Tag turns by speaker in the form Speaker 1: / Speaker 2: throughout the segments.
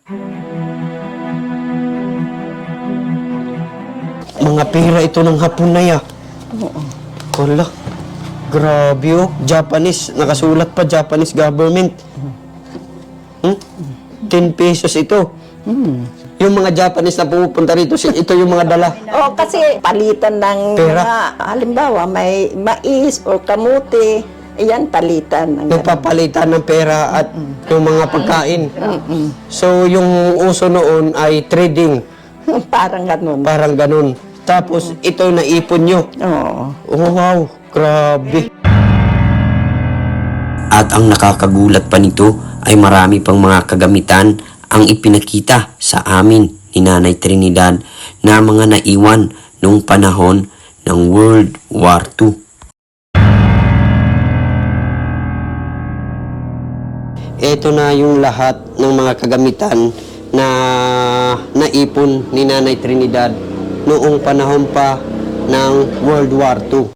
Speaker 1: Mga pera ito ng Hapon na ya.
Speaker 2: Oo.
Speaker 1: Wala. Grabe oh. Japanese. Nakasulat pa Japanese government. 10 pesos ito. Yung mga Japanese na pumupunta rito, ito yung mga dala.
Speaker 2: Oh, kasi palitan ng
Speaker 1: Pera.
Speaker 2: mga, halimbawa, may mais o kamote, ayan, palitan. Ng
Speaker 1: Nagpapalitan ng pera at yung mga pagkain. So, yung uso noon ay trading.
Speaker 2: Parang ganun.
Speaker 1: Parang ganun. Tapos, ito naipon nyo.
Speaker 2: Oo.
Speaker 1: Oh, wow. Grabe.
Speaker 3: At ang nakakagulat pa nito ay marami pang mga kagamitan ang ipinakita sa amin ni Nanay Trinidad na mga naiwan noong panahon ng World War II.
Speaker 1: Ito na yung lahat ng mga kagamitan na naipon ni Nanay Trinidad noong panahon pa ng World War II.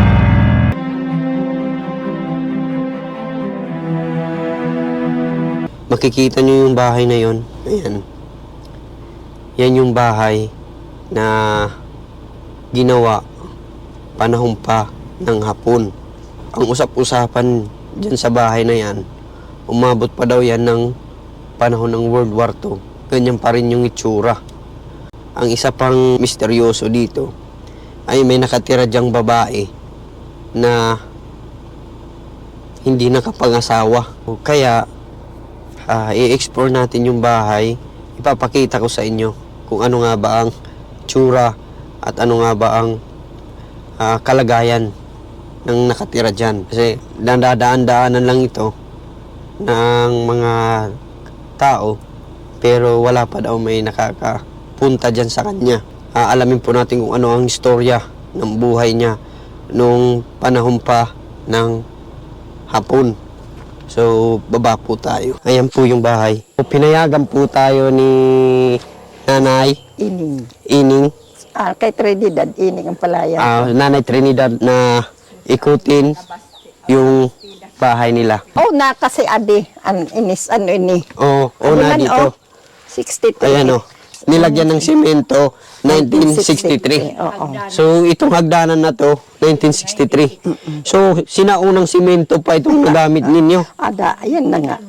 Speaker 1: Makikita nyo yung bahay na yon. Ayan. Yan yung bahay na ginawa panahon pa ng Hapon. Ang usap-usapan dyan sa bahay na yan, umabot pa daw yan ng panahon ng World War II. Ganyan pa rin yung itsura. Ang isa pang misteryoso dito ay may nakatira dyang babae na hindi nakapangasawa. Kaya i-explore natin yung bahay. Ipapakita ko sa inyo kung ano nga ba ang tsura at ano nga ba ang kalagayan ng nakatira dyan. Kasi dadaan-daanan lang ito ng mga tao pero wala pa daw may nakakapunta dyan sa kanya. Alamin po natin kung ano ang istorya ng buhay niya nung panahon pa ng Hapon. So, baba po tayo. Ayan po yung bahay. Pinayagan po tayo ni Nanay
Speaker 2: Ining.
Speaker 1: Ining.
Speaker 2: Kay Trinidad, Ining ang palayan.
Speaker 1: Nanay Trinidad na ikutin yung bahay nila.
Speaker 2: Oh, na kasi adi, ini.
Speaker 1: Oo,
Speaker 2: Ano
Speaker 1: na
Speaker 2: man,
Speaker 1: dito.
Speaker 2: 63.
Speaker 1: Ayan o. Nilagyan ng simento, 1963.
Speaker 2: Oo.
Speaker 1: So, itong hagdanan na to, 1963. So, sinaunang simento pa itong nagamit ninyo.
Speaker 2: Ayan na nga.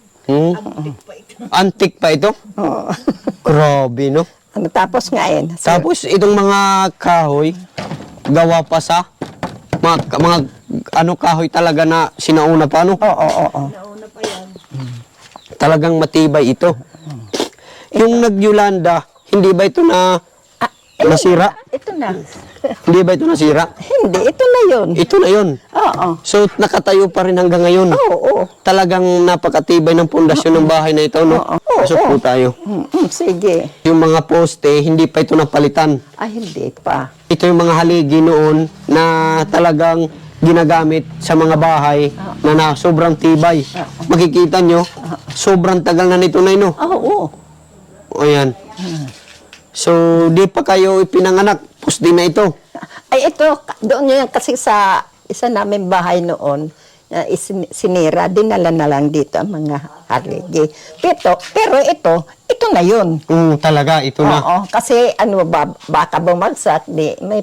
Speaker 1: Antique pa ito?
Speaker 2: Oo.
Speaker 1: Grabe, no?
Speaker 2: Tapos nga yun.
Speaker 1: Tapos, itong mga kahoy, gawa pa sa mga kahoy talaga na sinauna pa, no?
Speaker 2: Oo.
Speaker 1: Talagang matibay ito. Yung nag-Yolanda, hindi ba ito na nasira?
Speaker 2: Ito na.
Speaker 1: Hindi ba ito nasira?
Speaker 2: Hindi, ito na yun.
Speaker 1: Ito na yun.
Speaker 2: Oo.
Speaker 1: So, nakatayo pa rin hanggang ngayon.
Speaker 2: Oo.
Speaker 1: Talagang napakatibay ng pundasyon ng bahay na ito, no?
Speaker 2: Oo.
Speaker 1: Pasok po tayo.
Speaker 2: Sige.
Speaker 1: Yung mga poste, hindi pa ito napalitan.
Speaker 2: Hindi pa.
Speaker 1: Ito yung mga haligi noon na talagang ginagamit sa mga bahay na sobrang tibay. Makikita nyo, sobrang tagal na nito na ino.
Speaker 2: Oo.
Speaker 1: O yan. So, di pa kayo ipinanganak. Poste na ito.
Speaker 2: Ay, ito, doon yun kasi sa isa namin bahay noon, sinira, dinala na lang dito ang mga haligi. Pero ito na yun.
Speaker 1: Talaga, ito na.
Speaker 2: Oo, kasi baka bumagsak, may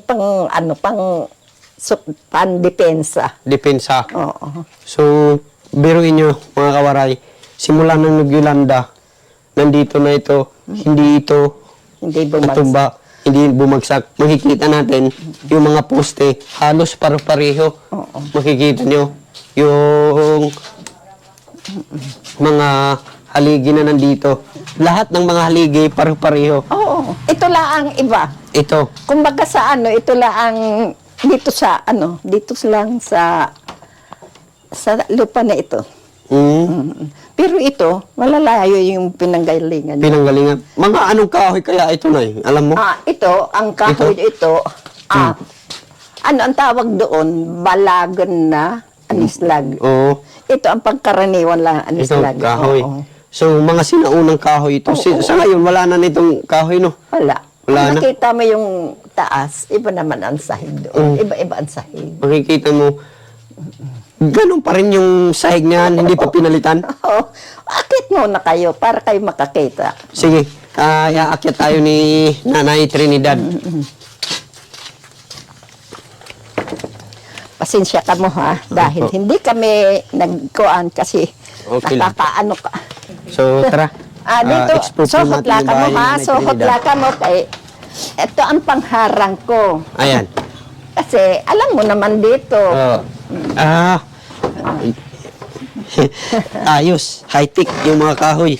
Speaker 2: pandepensa.
Speaker 1: Depensa.
Speaker 2: Oo.
Speaker 1: So, biruin nyo, mga kawaray, simula ng Yolanda, nandito na ito, hindi ito
Speaker 2: Hindi bumagsak.
Speaker 1: tumba, hindi bumagsak. Makikita natin yung mga poste, halos paro-pareho. Makikita nyo yung mga haligi na nandito. Lahat ng mga haligi, paro-pareho.
Speaker 2: Oo. Ito lang ang iba.
Speaker 1: Ito.
Speaker 2: Kumbaga sa ito lang ang dito lang sa lupa na ito. Pero ito, malalayo yung pinanggalingan niya.
Speaker 1: Pinanggalingan. Mga anong kahoy kaya ito na Alam mo?
Speaker 2: Ito, ang kahoy ito, ano ang tawag doon? Balagan na anislag.
Speaker 1: Oo.
Speaker 2: Ito ang pangkaraniwan lang
Speaker 1: Ito,
Speaker 2: anislag.
Speaker 1: kahoy.
Speaker 2: Oo.
Speaker 1: So, mga sinaunang kahoy ito. Sa ngayon, wala na nitong kahoy, no?
Speaker 2: Wala.
Speaker 1: Wala na.
Speaker 2: Nakita mo yung taas, iba naman ang sahig doon. Iba-iba ang sahig.
Speaker 1: Makikita mo, ganun pa rin yung sahig niyan, hindi pa pinalitan?
Speaker 2: Oo. Akit muna kayo para kayo makakita.
Speaker 1: Sige, iaakyat tayo ni Nanay Trinidad.
Speaker 2: Pasensya ka mo ha, dahil
Speaker 1: Opo.
Speaker 2: hindi kami nagkuan kasi
Speaker 1: Okay lang.
Speaker 2: nakakaano ka.
Speaker 1: So, tara.
Speaker 2: Dito,
Speaker 1: explore po
Speaker 2: suhot
Speaker 1: natin
Speaker 2: la
Speaker 1: yung
Speaker 2: ka mo
Speaker 1: bahay ni
Speaker 2: ha,
Speaker 1: Nanay
Speaker 2: suhot
Speaker 1: Trinidad.
Speaker 2: la ka mo kay ito ang pangharang ko.
Speaker 1: Ayan.
Speaker 2: Kasi alam mo naman dito,
Speaker 1: Oh. Ayos. High-tech yung mga kahoy.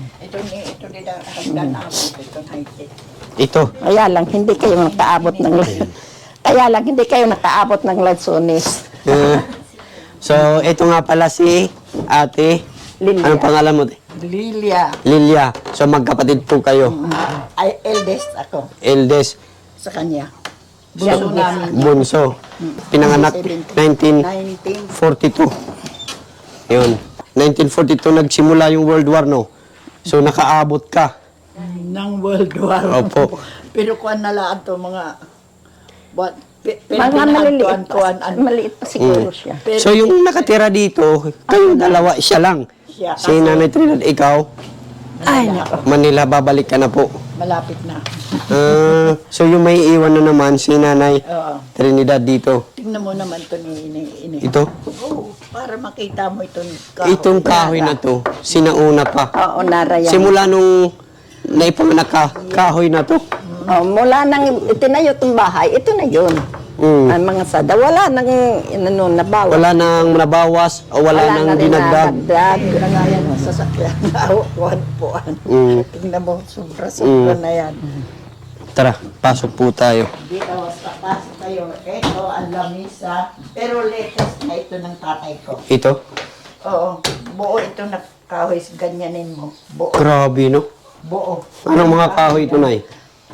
Speaker 1: Ito.
Speaker 2: kaya lang hindi kayo nakaabot ng kaya lang hindi kayo nakaabot ng lansones.
Speaker 1: So, ito nga pala si Ate.
Speaker 2: Lilia.
Speaker 1: Anong pangalan mo?
Speaker 4: Lilia,
Speaker 1: Lilia. So, magkapatid po kayo.
Speaker 4: ay eldest ako
Speaker 1: Eldest.
Speaker 4: sa kanya. Bunso namin.
Speaker 1: Bunso. Pinanganak
Speaker 4: 19
Speaker 1: 1942. Yun. 1942 nagsimula yung World War, no? So, nakaabot ka.
Speaker 4: ng World War.
Speaker 1: Opo.
Speaker 4: Pero kuan na lang to mga
Speaker 2: Mga maliit pa siguro siya.
Speaker 1: So, yung nakatira dito, kayo dalawa, siya lang.
Speaker 4: Siya.
Speaker 1: Si Nanay Trinidad, ikaw,
Speaker 2: Ay, nako.
Speaker 1: Manila, babalik ka na po.
Speaker 4: malapit na.
Speaker 1: So, yung may iwan na naman, si Nanay
Speaker 4: Oo.
Speaker 1: Trinidad dito.
Speaker 4: Tingnan mo naman to ni ini.
Speaker 1: Ito?
Speaker 4: Oo, para makita mo itong kahoy.
Speaker 1: Itong kahoy na to, sinauna pa.
Speaker 2: Oo, narayan.
Speaker 1: Simula nung naipanganak ka, kahoy na to.
Speaker 2: Oh, mula nang itinayo itong bahay, ito na yun.
Speaker 1: Mm.
Speaker 2: Ang mga sada, wala nang inano, nabawa.
Speaker 1: Wala nang nabawas o wala nang
Speaker 2: na rin
Speaker 1: dinagdag.
Speaker 2: nadagdag.
Speaker 4: Lagayan mo sa sakyan. Kuan.
Speaker 1: Mm.
Speaker 4: Tingnan mo, sobra-sobra na yan.
Speaker 1: Tara, pasok po tayo.
Speaker 4: Dito sa taas tayo. Ito ang lamisa. Pero latest na ito ng tatay ko.
Speaker 1: Ito?
Speaker 4: Oo. Buo ito na kahoy. Ganyanin mo. Buo.
Speaker 1: Grabe, no?
Speaker 4: Buo.
Speaker 1: Anong mga kahoy ito, Nay?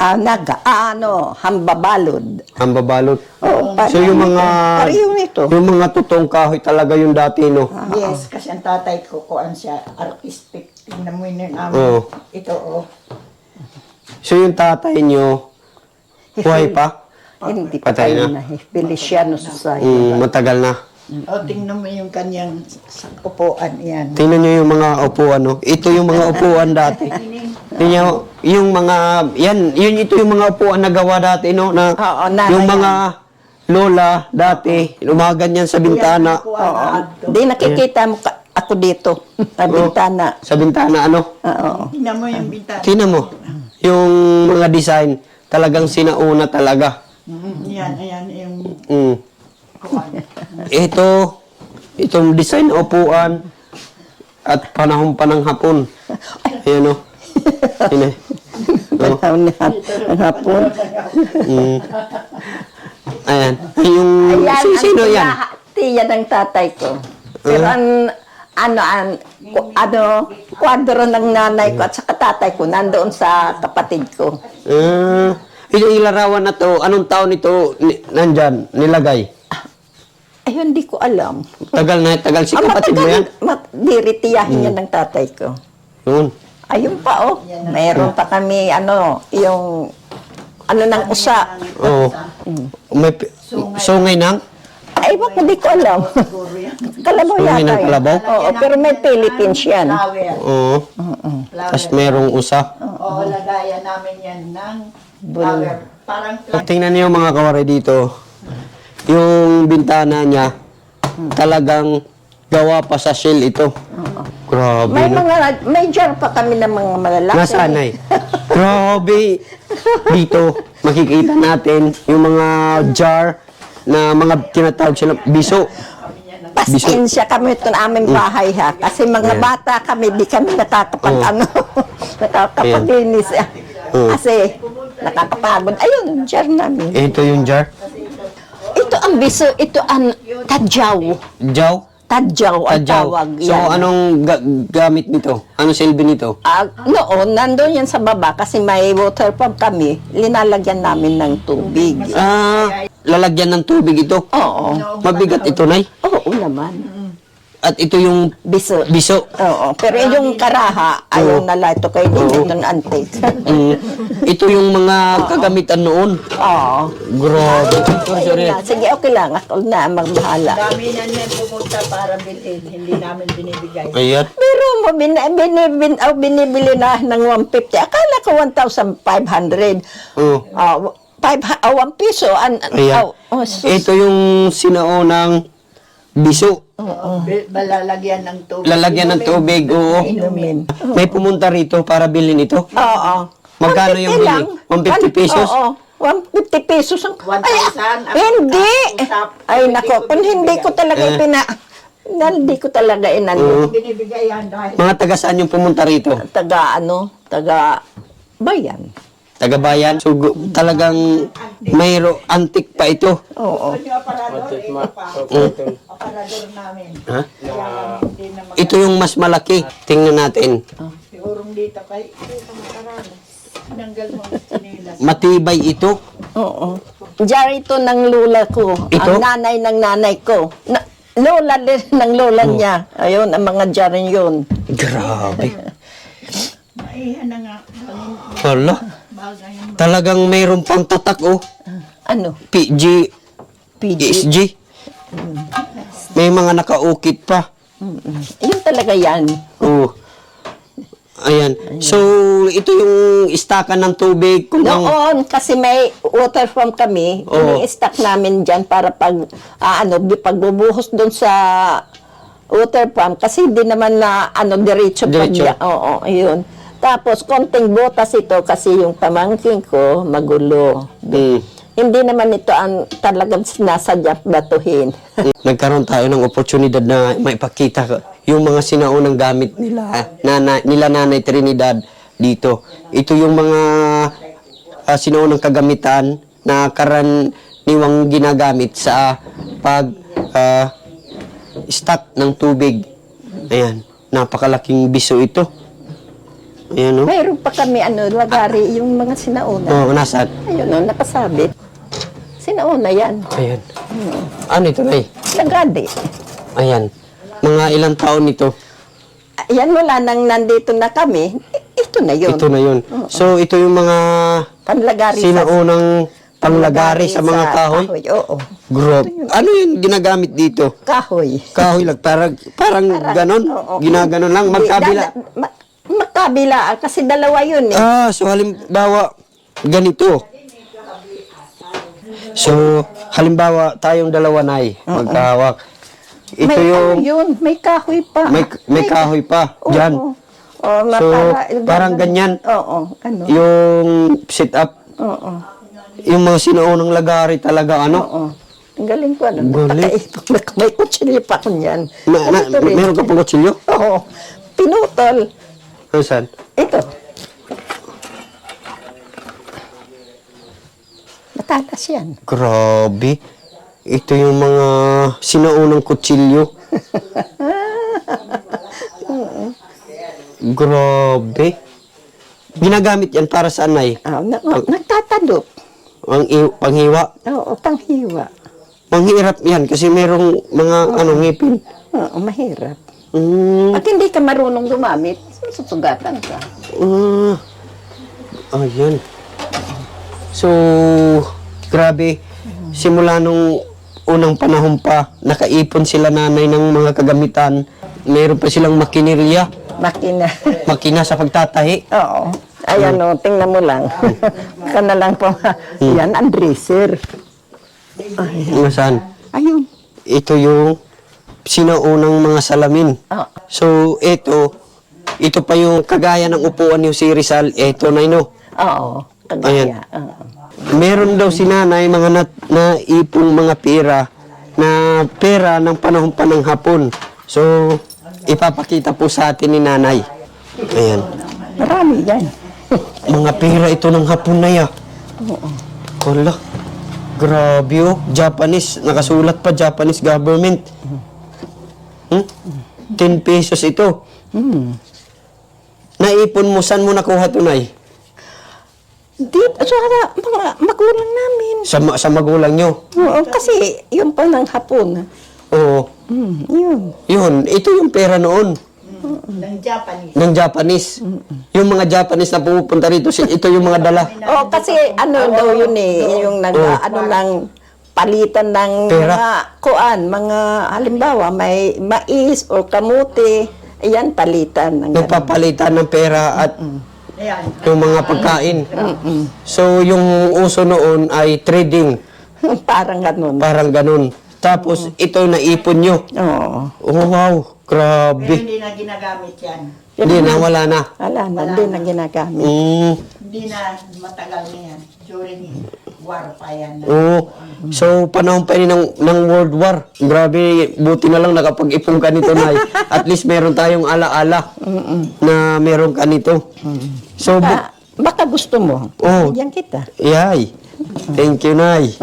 Speaker 2: Hambabalod.
Speaker 1: Ang babalot.
Speaker 2: Oo,
Speaker 1: So, yung mga...
Speaker 2: Pareho nito.
Speaker 1: Yung mga totoong kahoy talaga yung dati, no?
Speaker 4: Yes, kasi ang tatay ko, kuan siya, artistic. Tingnan mo yun namin.
Speaker 1: Oo.
Speaker 4: Ito, oh.
Speaker 1: So, yung tatay nyo, buhay pa?
Speaker 2: Hindi pa
Speaker 1: Patay
Speaker 2: tayo
Speaker 1: na.
Speaker 2: na. Feliciano Society.
Speaker 1: Matagal na.
Speaker 4: Oh, tingnan mo yung kanyang upuan. Yan.
Speaker 1: Tingnan nyo yung mga upuan, no? Ito yung mga upuan dati. Tingnan nyo, yung mga, ito yung mga upuan na gawa dati, no? Na,
Speaker 2: Oo, nanay
Speaker 1: yung
Speaker 2: yan.
Speaker 1: mga lola dati, umaganyan sa bintana.
Speaker 2: Oo. Di nakikita mo ako dito. Sa bintana.
Speaker 1: Sa bintana, ano?
Speaker 2: Oo.
Speaker 4: Tingnan mo yung bintana.
Speaker 1: Tingnan mo, yung mga design, talagang sinauna talaga.
Speaker 4: Yan, ayan, yung
Speaker 1: Mm.
Speaker 4: kuan.
Speaker 1: Itong design na upuan at panahon pa ng hapon. Ayan, no? Ayan, no?
Speaker 2: Panahon na ang hapon.
Speaker 1: Mm. Ayan. Yung,
Speaker 2: Ayan,
Speaker 1: sino yan?
Speaker 2: Tiya ng tatay ko. Pero kwadro ng nanay ko at saka tatay ko nandoon sa kapatid ko.
Speaker 1: Ito ilarawan na to, anong taon ito nandyan, nilagay?
Speaker 2: Ayun, di ko alam.
Speaker 1: Tagal si kapatid mo yan?
Speaker 2: Diritiyahin yan ng tatay ko.
Speaker 1: Yun.
Speaker 2: Ayun pa, oh. Mayroon pa kami, yung, ng usa.
Speaker 1: Oo. May sungay ng?
Speaker 2: Ay, baka di ko alam. Kalabaw
Speaker 1: Sungay ng
Speaker 2: yata.
Speaker 1: kalabaw?
Speaker 2: Oo, pero may Philippines yan.
Speaker 4: Flower.
Speaker 1: Oo. Tapos merong usa.
Speaker 4: Oo, lagayan namin yan ng flower. Parang
Speaker 1: Tingnan niyo mga kawari dito. Yung bintana niya, talagang gawa pa sa shell ito. Grabe,
Speaker 2: May
Speaker 1: no?
Speaker 2: may jar pa kami ng mga malalaki.
Speaker 1: Nasaan ay? Grabe. Dito, makikita natin yung mga jar na mga tinatawag sila biso.
Speaker 2: Pasensya kami ito na aming bahay ha. Kasi mga bata kami, di kami nakakapag-linis. Kasi nakakapagod. Ayun, jar namin.
Speaker 1: Ito yung jar.
Speaker 2: Ito ang biso, ito ang tadyaw.
Speaker 1: Jaw?
Speaker 2: Tadyaw ang
Speaker 1: Jaw.
Speaker 2: tawag
Speaker 1: So,
Speaker 2: yan.
Speaker 1: anong gamit nito? Anong silbi nito?
Speaker 2: Noon, nandun yan sa baba kasi may water pump kami. Linalagyan namin ng tubig.
Speaker 1: Lalagyan ng tubig ito.
Speaker 2: Oo.
Speaker 1: Mabigat ito, Nay.
Speaker 2: Oo naman.
Speaker 1: At ito yung
Speaker 2: Biso.
Speaker 1: biso.
Speaker 2: Oo, pero yung karaha, ayaw na lang ito kayo din itong antique.
Speaker 1: Ito yung mga kagamitan noon.
Speaker 2: Oo.
Speaker 1: Grabe. Sorry.
Speaker 2: Ayun na. Sige, okay lang. Ako na magbahala.
Speaker 4: Dami na niyan pumunta para bilhin. Hindi namin binibigay.
Speaker 1: Ayan.
Speaker 2: Pero mo, binibili na ng 150. Akala ko 1,500.
Speaker 1: Oh.
Speaker 2: 1 piso.
Speaker 1: Ayan. Ito yung sinaunang biso.
Speaker 4: Lalagyan ng tubig.
Speaker 1: Lalagyan ng tubig, oo.
Speaker 2: Inumin.
Speaker 1: May pumunta rito para bilhin ito.
Speaker 2: Oo.
Speaker 1: Magkano yung
Speaker 2: 150
Speaker 1: bili?
Speaker 2: lang.
Speaker 1: 150 pesos?
Speaker 2: Oo. 150 pesos.
Speaker 4: 1,000
Speaker 2: Hindi.
Speaker 4: usap.
Speaker 2: Ay, nako. Kung hindi ko talaga hindi ko talaga inano.
Speaker 4: Binibigay yan dahil
Speaker 1: Mga taga saan yung pumunta rito?
Speaker 2: Taga bayan.
Speaker 1: Taga bayan? So, talagang mayro antik pa ito.
Speaker 2: Oo.
Speaker 4: yung aparador, aparador namin.
Speaker 1: Ha?
Speaker 4: Kaya lang hindi na
Speaker 1: Ito yung mas malaki. Tingnan natin.
Speaker 4: sigurong dito kay tinanggal mo ang sinilas.
Speaker 1: Matibay ito.
Speaker 2: Oo. Diyan ito ng lola ko.
Speaker 1: Ito?
Speaker 2: Ang nanay ng nanay ko. Lola din ng lola niya. Ayun, ang mga dyan yun.
Speaker 1: Grabe.
Speaker 4: Maihan na nga.
Speaker 1: Hala.
Speaker 4: Bagay yung
Speaker 1: Talagang mayroon pang tatak, oh.
Speaker 2: Ano?
Speaker 1: PG,
Speaker 2: PG.
Speaker 1: ESG. May mga nakaukit pa.
Speaker 2: Yun talaga yan.
Speaker 1: Oh. Ayan. So, ito yung istakan ng tubig. Kung ang,
Speaker 2: Noon, kasi may water farm kami,
Speaker 1: Oo.
Speaker 2: ini-stack namin dyan para pagbubuhos doon sa water farm, kasi hindi naman na diretso pa
Speaker 1: Diretso.
Speaker 2: dyan. Oo, yun. Tapos, konting butas ito kasi yung pamangking ko, magulo. Hindi naman ito ang talagang sinasadya batuhin.
Speaker 1: nagkaroon tayo ng oportunidad na maipakita yung mga sinaunang gamit nila Nanay Trinidad dito. Ito yung mga sinaunang kagamitan na karaniwang ginagamit sa pag stock ng tubig. Ayan, napakalaking biso ito. Ayan, oh.
Speaker 2: Mayroon pa kami, lagari, yung mga sinauna.
Speaker 1: Oh, nasaan?
Speaker 2: Ayun, nakasabit. Sinauna yan.
Speaker 1: Ayan. Ano ito, Nay?
Speaker 2: Lagari.
Speaker 1: Ayan. Mga ilang taon ito?
Speaker 2: Yan, wala nang nandito na kami. Ito na yun.
Speaker 1: Ito na yun. So, ito yung mga
Speaker 2: Panlagari
Speaker 1: sinaunang panglagari sa mga kahoy?
Speaker 2: Oo.
Speaker 1: Grob. Ano yung ginagamit dito?
Speaker 2: Kahoy.
Speaker 1: Kahoy lang. Parang ganon?
Speaker 2: oo.
Speaker 1: Ginaganon lang? Magkabila?
Speaker 2: Magkabila. Kasi dalawa yun eh.
Speaker 1: So halimbawa, ganito. So, halimbawa, tayong dalawa na magkahawak. Ito
Speaker 2: may
Speaker 1: yung,
Speaker 2: yun, may kahoy pa.
Speaker 1: may kahoy pa.
Speaker 2: Oo.
Speaker 1: Dyan. So, parang ganyan.
Speaker 2: Oo. Ano?
Speaker 1: Yung sit up.
Speaker 2: Oo.
Speaker 1: Yung mga sinuunang lagari talaga, ano?
Speaker 2: Oo. Ang galing ko,
Speaker 1: Galing.
Speaker 2: May kutsilyo pa ko niyan.
Speaker 1: Meron ka pong kutsilyo?
Speaker 2: Oo. Pinutol.
Speaker 1: Saan?
Speaker 2: Ito. Matalas yan.
Speaker 1: Grabe. Ito yung mga sinaunang kutsilyo. Grabe. Ginagamit yan para saan, Nay?
Speaker 2: Nagtatadok.
Speaker 1: Panghiwa.
Speaker 2: Oo, panghiwa.
Speaker 1: Manghirap yan kasi merong mga ngipin.
Speaker 2: Oo, mahirap.
Speaker 1: Mm,
Speaker 2: At hindi ka marunong gumamit, susugatan ka.
Speaker 1: ayan. So, grabe. Simula nung unang panahon pa, nakaipon sila nanay ng mga kagamitan. Meron pa silang makinirya.
Speaker 2: Makina.
Speaker 1: Makina sa pagtatahi.
Speaker 2: Oo. Ayan o, tingnan mo lang. Ka na lang po. Yan, ang dresser.
Speaker 1: Saan?
Speaker 2: Ayun.
Speaker 1: Ito yung sinaunang mga salamin.
Speaker 2: Oo.
Speaker 1: So, ito pa yung kagaya ng upuan yung si Rizal. Ito na ino.
Speaker 2: Oo.
Speaker 1: Ayan.
Speaker 2: Kagaya. Oo.
Speaker 1: Meron daw si nanay mga naipong mga pera ng panahon pa ng hapon. So, ipapakita po sa atin ni nanay. Ayan.
Speaker 2: Marami yan.
Speaker 1: Mga pera ito ng hapon na ya.
Speaker 2: Oo.
Speaker 1: Hala. Grabe oh. Japanese. Nakasulat pa Japanese government. 10 pesos ito. Naipon mo, saan mo nakuha ito, Nay?
Speaker 2: Dito, sa mga magulang namin.
Speaker 1: Sa magulang nyo.
Speaker 2: Oo, kasi yun pa ng hapon.
Speaker 1: Oo.
Speaker 2: Yun.
Speaker 1: Yun, ito yung pera noon
Speaker 4: Ng Japanese.
Speaker 1: ng Japanese. Yung mga Japanese na pumupunta rito, ito yung mga dala.
Speaker 2: Oh, kasi ano daw yun eh, yung ano ng palitan ng
Speaker 1: Pera.
Speaker 2: mga mga halimbawa may mais o kamuti, ayan palitan ng ganun.
Speaker 1: Nagpapalitan ng pera at
Speaker 4: Ayan.
Speaker 1: yung mga pagkain. So, yung uso noon ay trading.
Speaker 2: Parang ganun.
Speaker 1: Parang ganun. Tapos, ito naipon nyo.
Speaker 2: Oo.
Speaker 1: Oh, wow.
Speaker 4: Pero
Speaker 1: Grabe.
Speaker 4: hindi na ginagamit yan.
Speaker 1: Hindi na, wala na.
Speaker 2: Wala na, hindi na ginagamit.
Speaker 4: Hindi na matagal na yan. During war pa yan.
Speaker 1: Oo. So, panahon pa yun ng World War. Grabe, buti na lang nakapag-ipon ka nito, Nay. At least meron tayong ala-ala na meron ka nito. So,
Speaker 2: Baka gusto mo.
Speaker 1: Oo.
Speaker 2: Bigyan kita.
Speaker 1: yay. Thank you, Nay.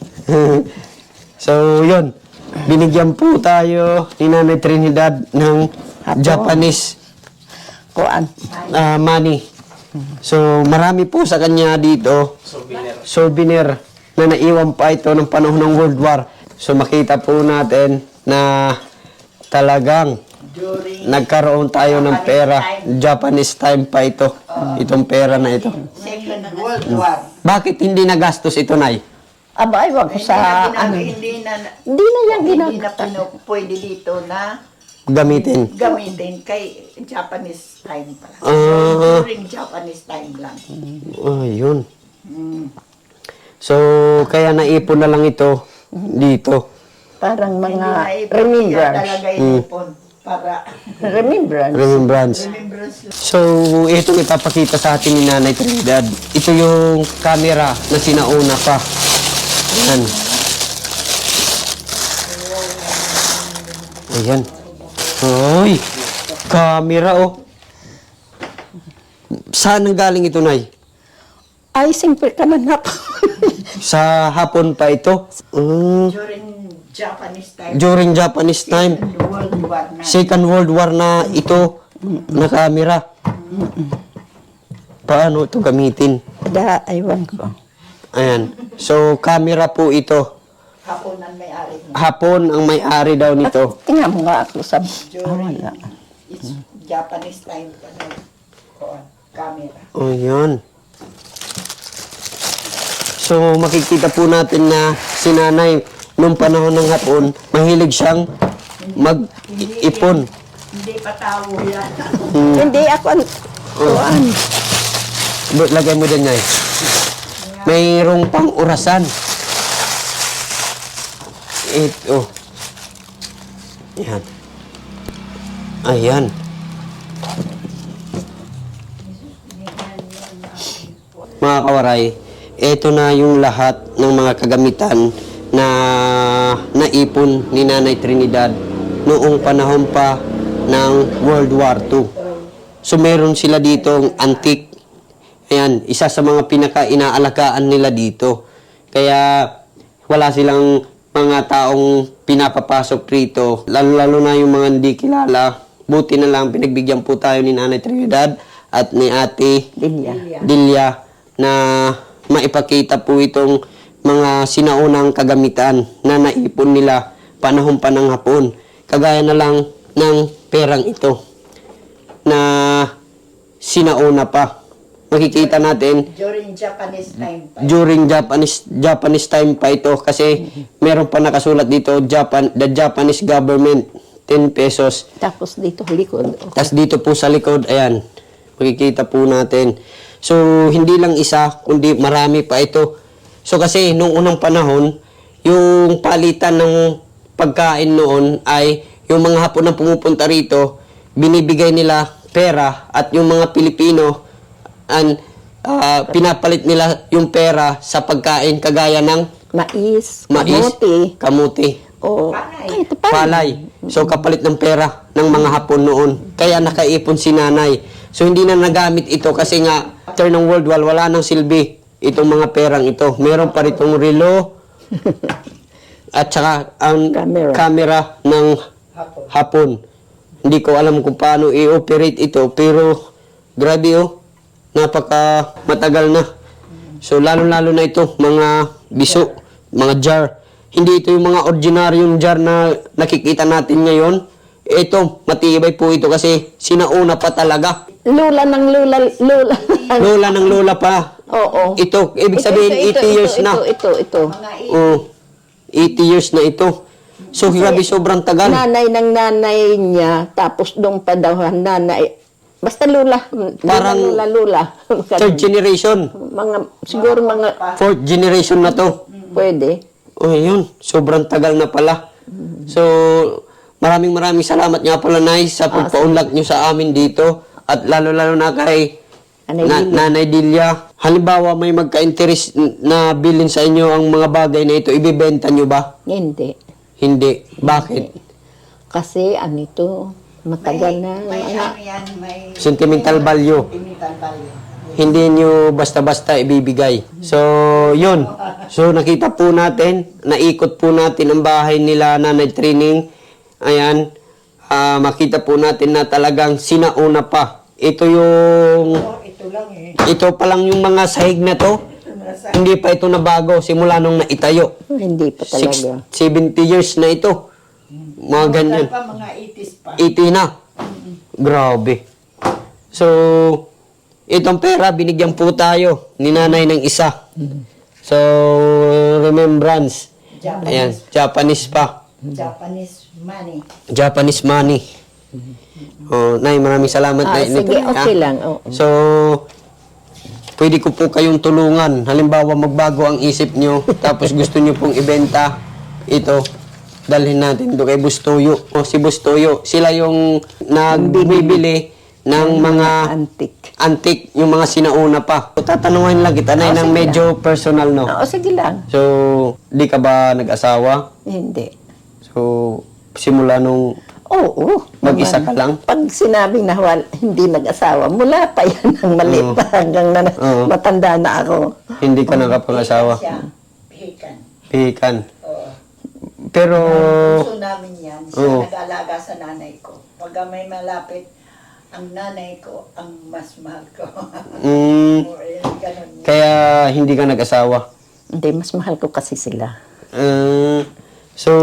Speaker 1: So, yun. Binigyan po tayo ni Nanay Trinidad ng Japanese
Speaker 2: Kuan.
Speaker 1: money. So, marami po sa kanya dito. Souvenir na naiwan pa ito ng panahon ng World War. So, makita po natin na talagang
Speaker 4: During
Speaker 1: nagkaroon tayo ng pera. Japanese time pa ito. Itong pera na ito.
Speaker 4: Second World War.
Speaker 1: Bakit hindi nagastos ito, Nay?
Speaker 2: Aba, ewan ko sa ano.
Speaker 4: Hindi na
Speaker 2: Hindi na yan
Speaker 4: pwede dito na
Speaker 1: Gamitin.
Speaker 4: gamitin kay Japanese time pa lang.
Speaker 1: Ah.
Speaker 4: During Japanese time lang.
Speaker 1: Ayun. So, kaya naipon na lang ito dito.
Speaker 2: Parang
Speaker 4: Hindi
Speaker 2: mga
Speaker 4: na ipon, kaya
Speaker 2: remembrance.
Speaker 4: talaga inipon para
Speaker 2: Remembrance.
Speaker 1: Remembrance.
Speaker 4: remembrance lang.
Speaker 1: So, itong ipapakita sa atin ni Nanay Trinidad. Ito yung camera na sinauna pa. Ayan. Ayan. Ay, camera oh. Saan ang galing ito, Nay?
Speaker 2: Ay, simple ka man hap.
Speaker 1: Sa hapon pa ito?
Speaker 4: During Japanese time.
Speaker 1: During Japanese time.
Speaker 4: World War na.
Speaker 1: Second World War na ito na camera. Paano ito gamitin?
Speaker 2: Aywan ko.
Speaker 1: Ayan. So, camera po ito.
Speaker 4: Hapon ang may-ari niya.
Speaker 1: Hapon ang may-ari daw nito.
Speaker 2: Tingnan mo nga ako sa...
Speaker 4: During
Speaker 2: wala.
Speaker 4: it's Japanese time pa na camera.
Speaker 1: O, yan. So, makikita po natin na si Nanay, nung panahon ng hapon, mahilig siyang mag-ipon.
Speaker 4: Hindi pa tao yan.
Speaker 2: Hindi ako ang... Kuan.
Speaker 1: Lagay mo dyan, Nay. Mayroong pang orasan. Ito. Yan. Ayan. Mga kawaray, ito na yung lahat ng mga kagamitan na naipon ni Nanay Trinidad noong panahon pa ng World War II. So meron sila ditong antique. Ayan, isa sa mga pinaka-inaalagaan nila dito. Kaya wala silang mga taong pinapapasok rito, lalo-lalo na yung mga hindi kilala. Buti na lang pinagbigyan po tayo ni Nanay Trinidad at ni Ate Dilia na maipakita po itong mga sinaunang kagamitan na naipon nila panahon pa ng hapon. Kagaya na lang ng perang ito na sinauna pa. Makikita natin
Speaker 4: During Japanese time pa.
Speaker 1: during Japanese time pa ito kasi meron pa nakasulat dito the Japanese government 10 pesos.
Speaker 2: Tapos dito likod.
Speaker 1: Tapos dito po sa likod, ayan, makikita po natin. So, hindi lang isa, kundi marami pa ito. So, kasi nung unang panahon, yung palitan ng pagkain noon ay yung mga Hapon na pumupunta rito, binibigay nila pera at yung mga Pilipino, pinapalit nila yung pera sa pagkain kagaya ng
Speaker 2: Mais,
Speaker 1: mais, kamuti,
Speaker 2: o
Speaker 4: Palay.
Speaker 2: ito pa.
Speaker 1: palay. So, kapalit ng pera ng mga Hapon noon. Kaya nakaipon si Nanay. So, hindi na nagamit ito kasi nga, after ng World War, wala nang silbi itong mga perang ito. Meron pa ritong relo at saka ang camera ng Hapon. Hindi ko alam kung paano i-operate ito, pero grabe oh, napaka matagal na. So, lalo-lalo na ito, mga biso, mga jar. Hindi ito yung mga ordinaryong jar na nakikita natin ngayon. Ito, matibay po ito kasi sinauna pa talaga.
Speaker 2: Lula ng lula.
Speaker 1: Lola ng lola pa.
Speaker 2: Oo.
Speaker 1: Ito, ibig sabihin 80 years na.
Speaker 2: Ito.
Speaker 1: Oh, 80 years na ito. So, grabe, sobrang tagal.
Speaker 2: Nanay ng nanay niya, tapos doon pa daw ang nanay. Basta lula.
Speaker 1: Parang
Speaker 2: Lula.
Speaker 1: Third generation.
Speaker 2: Siguro mga
Speaker 1: Fourth generation na to.
Speaker 2: pwede.
Speaker 1: Oh, yun. Sobrang tagal na pala. So, maraming salamat nga pala, Nay, sa pagpaunlak nyo sa amin dito. At lalo-lalo na kay Nanay Dilia. Halimbawa, may magka-interest na bilhin sa inyo ang mga bagay na ito, ibibenta nyo ba?
Speaker 2: Hindi.
Speaker 1: Hindi. Bakit?
Speaker 2: Kasi ano ito, matagal na.
Speaker 4: May ano yan, may
Speaker 1: Sentimental value.
Speaker 4: sentimental value.
Speaker 1: Hindi nyo basta-basta ibibigay. So, yun. So, nakita po natin, naikot po natin ang bahay nila Nanay Training. Ayan. Makita po natin na talagang sinauna pa. Ito yung...
Speaker 4: Ito lang eh.
Speaker 1: Ito pa lang yung mga sahig na to. Hindi pa ito nabago simula nung naitayo.
Speaker 2: Hindi pa talaga.
Speaker 1: 70 years na ito. Mga ganyan.
Speaker 4: Pa, mga 80s pa.
Speaker 1: 80 na. Grabe. So, itong pera, binigyan po tayo ni nanay ng isa. So, remembrance. Ayan, Japanese pa.
Speaker 4: Japanese money.
Speaker 1: Japanese money. Oh, Nay, maraming salamat. Nay,
Speaker 2: Sige,
Speaker 1: nito,
Speaker 2: okay
Speaker 1: ha?
Speaker 2: lang. Oo.
Speaker 1: So, pwede ko po kayong tulungan. Halimbawa, magbago ang isip nyo, tapos gusto nyo pong ibenta, ito, dalhin natin doon kay Bustoyo. O si Bustoyo, sila yung nagbibili ng mga antik, yung mga sinauna pa. Tatanungin lang kita, Nay, ng medyo personal, no?
Speaker 2: Oo, sige lang.
Speaker 1: So, di ka ba nag-asawa?
Speaker 2: Hindi.
Speaker 1: So, simula nung
Speaker 2: Oo.
Speaker 1: mag-isa ka
Speaker 2: naman.
Speaker 1: lang?
Speaker 2: Pag sinabing na hindi nag-asawa, mula pa yan ang maliit pa hanggang na
Speaker 1: Oo.
Speaker 2: matanda na ako.
Speaker 1: Hindi ka nakapag-asawa?
Speaker 4: Siya, pihikan.
Speaker 1: Pihikan.
Speaker 4: Oo.
Speaker 1: Pero,
Speaker 4: Gusto namin yan. Siya
Speaker 1: Oo.
Speaker 4: nag-alaga sa nanay ko. Pag may malapit, ang nanay ko, ang mas mahal ko. O, ganun.
Speaker 1: kaya hindi ka nag-asawa.
Speaker 2: Hindi, mas mahal ko kasi sila.
Speaker 1: So,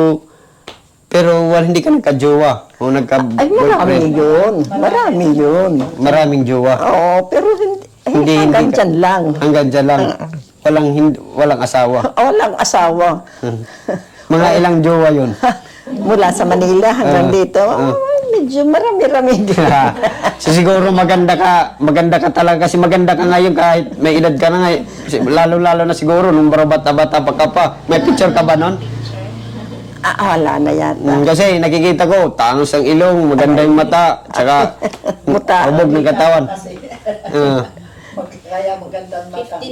Speaker 1: pero hindi ka nagka-jowa o
Speaker 2: Ay, marami
Speaker 1: nagka-boyfriend.
Speaker 2: yun. Marami yun.
Speaker 1: Maraming jowa.
Speaker 2: Oo, pero hindi, hanggang
Speaker 1: ka-
Speaker 2: dyan lang.
Speaker 1: Hanggang dyan lang. Walang asawa.
Speaker 2: Walang asawa.
Speaker 1: Mga ilang jowa yun.
Speaker 2: Mula sa Manila hanggang dito, medyo marami-rami din.
Speaker 1: So siguro maganda ka talaga kasi maganda ka ngayon kahit may edad ka na ngayon. Lalo-lalo na siguro nung bata-bata pa ka pa. May picture ka ba nun?
Speaker 2: Wala na yata.
Speaker 1: Kasi nakikita ko, tangos ang ilong, maganda yung mata, tsaka
Speaker 2: Muta.
Speaker 1: hubog ng katawan.
Speaker 4: Kasi,
Speaker 1: Uh,
Speaker 4: kaya magandang mata.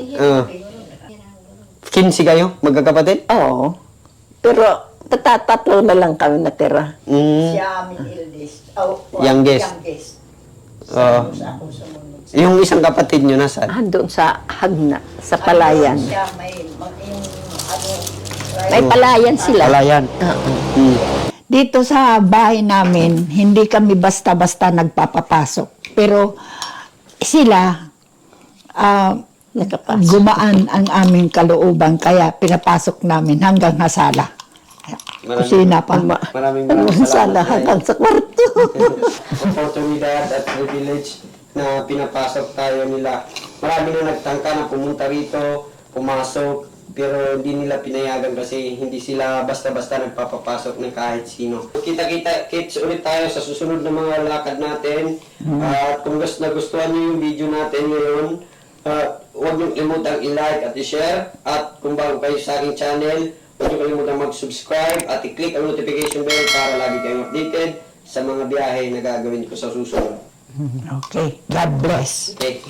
Speaker 1: 15 kayo, magkakapatid?
Speaker 2: Oo. Pero tatlo na lang kami natira.
Speaker 4: Siya aming eldest. Oh,
Speaker 1: Youngest. Oo.
Speaker 4: Tapos ako sumunod.
Speaker 1: Yung isang kapatid nyo nasaan?
Speaker 2: Doon sa Hagna, sa Palayan.
Speaker 4: Siya may, yung ano,
Speaker 2: May Palayan sila.
Speaker 1: Palayan.
Speaker 5: Dito sa bahay namin, hindi kami basta-basta nagpapapasok. Pero sila,
Speaker 2: Nakapasok.
Speaker 5: gumaan ang aming kalooban, kaya pinapasok namin hanggang hasala. Kusina pa.
Speaker 1: Maraming
Speaker 2: Sana hanggang sa kwarto.
Speaker 1: Oportunidad at privilege na pinapasok tayo nila. Marami na nagtangka na pumunta rito, pumasok, pero hindi nila pinayagan kasi hindi sila basta-basta nagpapapasok ng kahit sino. Kita-kits ulit tayo sa susunod na mga lakad natin. At kung nagustuhan nyo yung video natin ngayon, huwag nyo kalimutang i-like at i-share. At kung bago kayo sa aking channel, huwag nyo kalimutang mag-subscribe at i-click ang notification bell para lagi kayong updated sa mga biyahe na gagawin ko sa susunod.
Speaker 5: Okay, God bless.
Speaker 1: Okay.